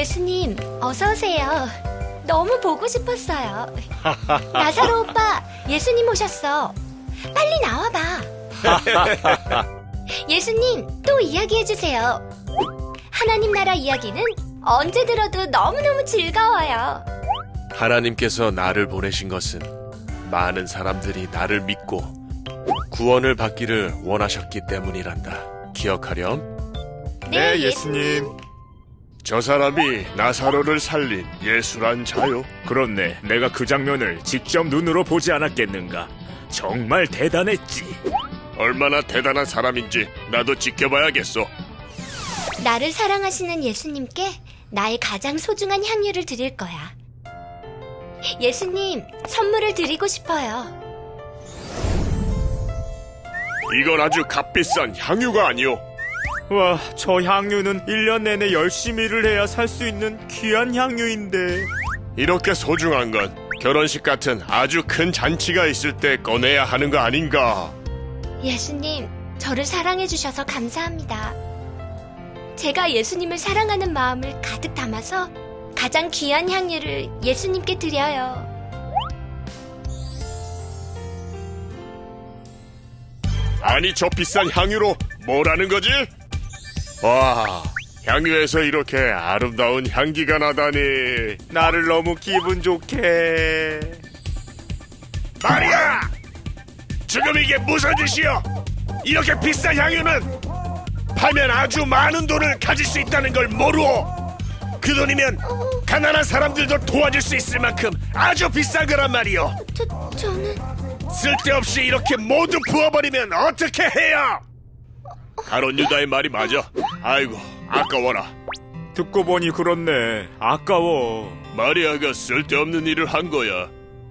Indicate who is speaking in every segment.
Speaker 1: 예수님, 어서 오세요. 너무 보고 싶었어요. 나사로 오빠, 예수님 오셨어. 빨리 나와봐. 예수님, 또 이야기해주세요. 하나님 나라 이야기는 언제 들어도 너무너무 즐거워요.
Speaker 2: 하나님께서 나를 보내신 것은 많은 사람들이 나를 믿고 구원을 받기를 원하셨기 때문이란다. 기억하렴?
Speaker 3: 네, 예수님.
Speaker 2: 저 사람이 나사로를 살린 예수란 자요.
Speaker 3: 그렇네. 내가 그 장면을 직접 눈으로 보지 않았겠는가. 정말 대단했지.
Speaker 2: 얼마나 대단한 사람인지 나도 지켜봐야겠어.
Speaker 1: 나를 사랑하시는 예수님께 나의 가장 소중한 향유를 드릴 거야. 예수님, 선물을 드리고 싶어요.
Speaker 2: 이건 아주 값비싼 향유가 아니오.
Speaker 3: 와, 저 향유는 1년 내내 열심히 일을 해야 살 수 있는 귀한 향유인데.
Speaker 2: 이렇게 소중한 건 결혼식 같은 아주 큰 잔치가 있을 때 꺼내야 하는 거 아닌가.
Speaker 1: 예수님, 저를 사랑해 주셔서 감사합니다. 제가 예수님을 사랑하는 마음을 가득 담아서 가장 귀한 향유를 예수님께 드려요.
Speaker 2: 아니, 저 비싼 향유로 뭐라는 거지? 와, 향유에서 이렇게 아름다운 향기가 나다니.
Speaker 3: 나를 너무 기분 좋게.
Speaker 2: 마리아! 지금 이게 무슨 짓이여? 이렇게 비싼 향유는 팔면 아주 많은 돈을 가질 수 있다는 걸 모르오. 그 돈이면 가난한 사람들도 도와줄 수 있을 만큼 아주 비싼 거란 말이오.
Speaker 1: 저는...
Speaker 2: 쓸데없이 이렇게 모두 부어버리면 어떻게 해요? 가론 유다의 말이 맞아. 아이고, 아까워라.
Speaker 3: 듣고 보니 그렇네. 아까워.
Speaker 2: 마리아가 쓸데없는 일을 한 거야.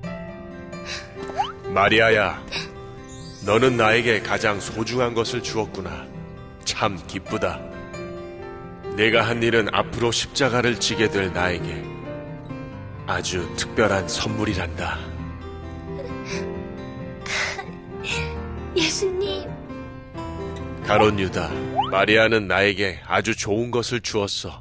Speaker 2: 마리아야, 너는 나에게 가장 소중한 것을 주었구나. 참 기쁘다. 내가 한 일은 앞으로 십자가를 지게 될 나에게 아주 특별한 선물이란다.
Speaker 1: 예수님.
Speaker 2: 가론 유다, 마리아는 나에게 아주 좋은 것을 주었어.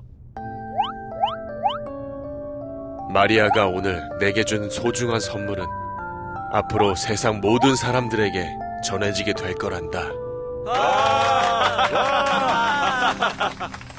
Speaker 2: 마리아가 오늘 내게 준 소중한 선물은 앞으로 세상 모든 사람들에게 전해지게 될 거란다.